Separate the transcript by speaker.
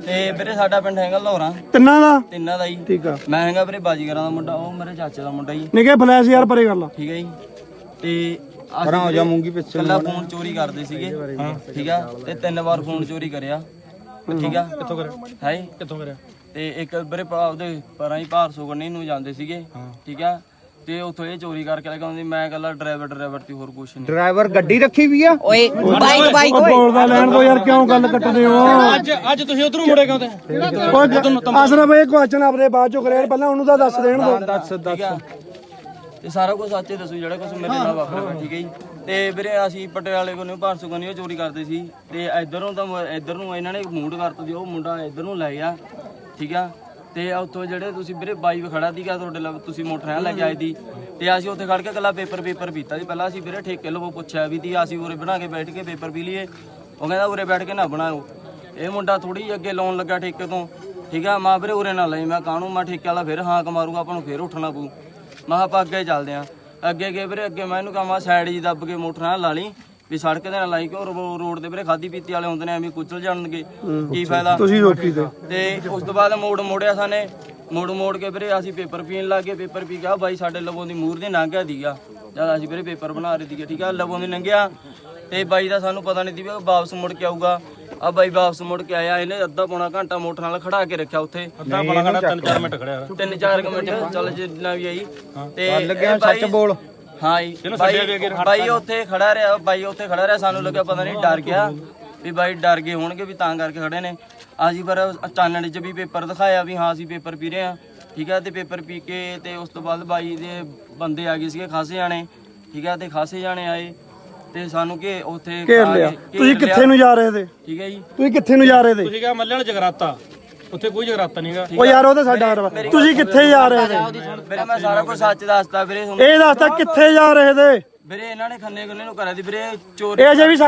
Speaker 1: ਤੇ ਵੀਰੇ ਸਾਡਾ ਪਿੰਡ ਹੈਗਾ ਲੋਹਰਾ
Speaker 2: ਤਿੰਨਾਂ ਦਾ
Speaker 1: ਜੀ।
Speaker 2: ਠੀਕ ਆ।
Speaker 1: ਮੈਂ ਹੈਗਾ ਵੀਰੇ ਬਾਜੀਗਰਾਂ ਦਾ ਮੁੰਡਾ, ਉਹ ਮੇਰੇ ਚਾਚੇ ਦਾ ਮੁੰਡਾ ਜੀ।
Speaker 2: ਨਿੱਕੇ ਫਲੈਸ਼ ਯਾਰ ਪਰੇ ਕਰ ਲਾ।
Speaker 1: ਠੀਕ ਹੈ ਜੀ। ਤੇ ਪਰਾਂ ਹੋ ਜਾ ਮੂੰਗੀ ਪਿੱਛੇ। ਕੱਲਾ ਫੋਨ ਚੋਰੀ ਕਰਦੇ ਸੀਗੇ, ਠੀਕ ਆ। ਤੇ 3 ਵਾਰ ਫੋਨ ਚੋਰੀ ਕਰਿਆ, ਠੀਕ ਆ। ਕਿੱਥੋਂ ਕਰਿਆ ਹੈ? ਕਿੱਥੋਂ ਕਰਿਆ? ਤੇ ਇੱਕ ਵੀਰੇ ਉਹਦੇ ਪਰਾਂ ਹੀ ਭਾਰਸੋ ਗੰਨੀ ਨੂੰ ਜਾਂਦੇ ਸੀਗੇ, ਠੀਕ ਆ। ਤੇ ਉੱਥੋਂ ਇਹ ਚੋਰੀ ਕਰਕੇ ਲੈ ਕੇ ਆਉਂਦੀ। ਮੈਂ ਕੱਲਾ ਡਰਾਈਵਰ ਤੇ ਹੋਰ ਕੁਛ ਨਹੀਂ।
Speaker 3: ਡਰਾਈਵਰ ਗੱਡੀ ਰੱਖੀ ਵੀ ਆ ਓਏ ਬਾਈਕ
Speaker 2: ਬੋਲਦਾ ਲੈਣ ਦੋ ਯਾਰ, ਕਿਉਂ ਗੱਲ ਕੱਟਦੇ ਹੋ?
Speaker 4: ਅੱਜ ਤੁਸੀਂ ਉਧਰੋਂ ਮੁੜੇ ਕਿਉਂ ਤੇ?
Speaker 2: ਆਸਰਾ ਬਈ ਕੁਐਸਚਨ ਆਪਣੇ ਬਾਅਦ ਚੋਂ ਕਰਿਆ, ਪਹਿਲਾਂ ਉਹਨੂੰ ਤਾਂ ਦੱਸ ਦੇਣ ਦੋ।
Speaker 1: ਦੱਸ ਤੇ ਸਾਰਾ ਕੁਝ ਸੱਚੇ ਦੱਸੋ ਜਿਹੜਾ ਕੁਝ ਮੇਰੇ ਨਾਲ ਵਾਪਰਿਆ, ਠੀਕ ਹੈ ਜੀ। ਤੇ ਵੀਰੇ ਅਸੀਂ ਪਟਿਆਲੇ ਕੋਲੋਂ ਭਾਰਸੋ ਗੰਨੀ ਚੋਰੀ ਕਰਦੇ ਸੀ। ਤੇ ਇੱਧਰੋਂ ਇਹਨਾਂ ਨੇ ਮੂਡ ਕਰਤਾ ਸੀ, ਉਹ ਮੁੰਡਾ ਇੱਧਰ ਨੂੰ ਲੈ ਗਿਆ, ਠੀਕ ਆ। ਤੇ ਉੱਥੋਂ ਜਿਹੜੇ ਤੁਸੀਂ ਵੀਰੇ ਬਾਈ ਖੜਾ ਸੀਗਾ ਤੁਹਾਡੇ ਨਾਲ, ਤੁਸੀਂ ਮੋਟਰਸਾਈਕਲ ਲੈ ਕੇ ਆਏ ਸੀ। ਤੇ ਅਸੀਂ ਉੱਥੇ ਖੜ ਕੇ ਇਕੱਲਾ ਪੇਪਰ ਪੀਤਾ ਸੀ। ਪਹਿਲਾਂ ਅਸੀਂ ਵੀਰੇ ਠੇਕੇ ਲਵੋ ਪੁੱਛਿਆ ਵੀ ਤੀ, ਅਸੀਂ ਉਰੇ ਬਣਾ ਕੇ ਬੈਠ ਕੇ ਪੇਪਰ ਪੀ ਲਈਏ। ਉਹ ਕਹਿੰਦਾ ਉਰੇ ਬੈਠ ਕੇ ਨਾ ਬਣਾਓ। ਇਹ ਮੁੰਡਾ ਥੋੜੀ ਅੱਗੇ ਲਾਉਣ ਲੱਗਾ ਠੇਕੇ ਤੋਂ, ਠੀਕ ਆ। ਮਾਂ ਵੀਰੇ ਉਰੇ ਨਾ ਲਈ। ਮੈਂ ਕਾਹਨੂੰ, ਮੈਂ ਠੇਕੇ ਵਾਲਾ ਫਿਰ ਹਾਕ ਮਾਰੂਗਾ, ਆਪਾਂ ਨੂੰ ਫਿਰ ਉੱਠਣਾ ਪਊ। ਮੈਂ ਕਿਹਾ ਆਪਾਂ ਅੱਗੇ ਚੱਲਦੇ ਆਂ। ਅੱਗੇ ਗਏ ਵੀਰੇ, ਅੱਗੇ ਮੈਂ ਇਹਨੂੰ ਕਹਾਂ ਸਾਈਡ ਜੀ ਦੱਬ ਕੇ ਮੋਟਰਸਾਈਕਲ ਲਾ ਲਈ ਵੀ ਸੜਕ ਦੇ ਨਾਲ ਲਾਈ, ਕਿ ਰੋਡ ਤੇ ਵੀਰੇ ਖਾਦੀ ਪੀਤੀ ਵਾਲੇ ਹੁੰਦੇ ਨੇ, ਐਵੇਂ ਕੁਚਲ ਜਾਣਗੇ, ਕੀ ਫਾਇਦਾ।
Speaker 2: ਤੁਸੀਂ ਰੋਕੀ
Speaker 1: ਤੇ ਉਸ ਤੋਂ ਬਾਅਦ ਮੋੜਿਆ ਸਾਨੇ, ਮੋੜ ਕੇ ਵੀਰੇ ਅਸੀਂ ਪੇਪਰ ਪੀਣ ਲੱਗ ਗਏ। ਪੇਪਰ ਪੀ ਕੇ ਬਾਈ ਸਾਡੇ ਲਵੋਂ ਦੀ ਮੂਹਰ ਦੀ ਲੰਘ ਗਿਆ ਸੀਗਾ ਜਦ ਅਸੀਂ ਵੀਰੇ ਪੇਪਰ ਬਣਾ ਰਹੇ ਸੀਗੇ, ਠੀਕ ਆ। ਲਵੋਂ ਦੀ ਲੰਘਿਆ ਤੇ ਬਾਈ ਦਾ ਸਾਨੂੰ ਪਤਾ ਨਹੀਂ ਸੀ ਵੀ ਉਹ ਵਾਪਸ ਮੁੜ ਕੇ ਆਊਗਾ। ਆ ਬਾਈ ਵਾਪਸ ਮੁੜ ਕੇ ਆਇਆ, ਇਹਨੇ ਅੱਧਾ ਪੌਣਾ ਘੰਟਾ ਮੋਟਰ ਨਾਲ ਖੜਾ ਕੇ ਰੱਖਿਆ ਉੱਥੇ।
Speaker 4: 3-4 ਮਿੰਟ ਖੜਿਆ,
Speaker 1: 3-4 ਮਿੰਟ ਚੱਲ ਜਿੰਨਾ ਵੀ ਆਈ। ਤੇ
Speaker 3: ਲੱਗਿਆ ਸੱਚ ਬੋਲ।
Speaker 1: ਹਾਂ ਜੀ, ਬਾਈ ਉੱਥੇ ਖੜਾ ਰਿਹਾ। ਸਾਨੂੰ ਲੱਗਿਆ ਪਤਾ ਨਹੀਂ ਡਰ ਗਿਆ ਵੀ ਬਾਈ ਡਰ ਗਏ ਹੋਣਗੇ ਵੀ ਤਾਂ ਕਰਕੇ ਖੜੇ ਨੇ। ਅਸੀਂ ਪਰ ਚਾਨਣ 'ਚ ਵੀ ਪੇਪਰ ਦਿਖਾਇਆ ਵੀ ਹਾਂ ਅਸੀਂ ਪੇਪਰ ਪੀ ਰਹੇ ਹਾਂ, ਠੀਕ ਆ। ਤੇ ਪੇਪਰ ਪੀ ਕੇ ਤੇ ਉਸ ਤੋਂ ਬਾਅਦ ਬਾਈ ਦੇ ਬੰਦੇ ਆ ਗਏ ਸੀਗੇ ਖਾਸੇ ਜਾਣੇ, ਠੀਕ ਆ। ਤੇ ਖਾਸੇ ਜਾਣੇ ਆਏ ਤੇ ਸਾਨੂੰ ਕਿ ਉੱਥੇ
Speaker 2: ਘੇਰ ਲਿਆ। ਤੁਸੀਂ ਕਿੱਥੇ ਨੂੰ ਜਾ ਰਹੇ ਤੇ?
Speaker 1: ਠੀਕ ਹੈ ਜੀ।
Speaker 2: ਤੁਸੀਂ ਕਿੱਥੇ ਨੂੰ ਜਾ ਰਹੇ ਤੇ?
Speaker 4: ਤੁਸੀਂ ਕਿਹਾ ਮੱਲੇ ਵਾਲਾ ਜਗਰਾਤਾ, ਉੱਥੇ ਕੋਈ ਜਗਰਾਤਾ ਨਹੀਂਗਾ।
Speaker 2: ਉਹ ਯਾਰ ਉਹ ਤਾਂ ਸਾਡਾ ਰਵਾ। ਤੁਸੀਂ ਕਿੱਥੇ ਜਾ ਰਹੇ ਤੇ?
Speaker 1: ਵੀਰੇ ਮੈਂ ਸਾਰਾ ਕੁਝ ਸੱਚ ਦੱਸਦਾ ਵੀਰੇ।
Speaker 2: ਇਹ ਦੱਸਦਾ ਕਿੱਥੇ ਜਾ ਰਹੇ ਤੇ?
Speaker 1: ਵੀਰੇ ਇਹਨਾਂ ਨੇ ਖੰਨੇ ਨੂੰ ਕਰਿਆ ਸੀ ਵੀਰੇ ਚੋਰੀ।
Speaker 2: ਇਹ ਅਜੇ ਵੀ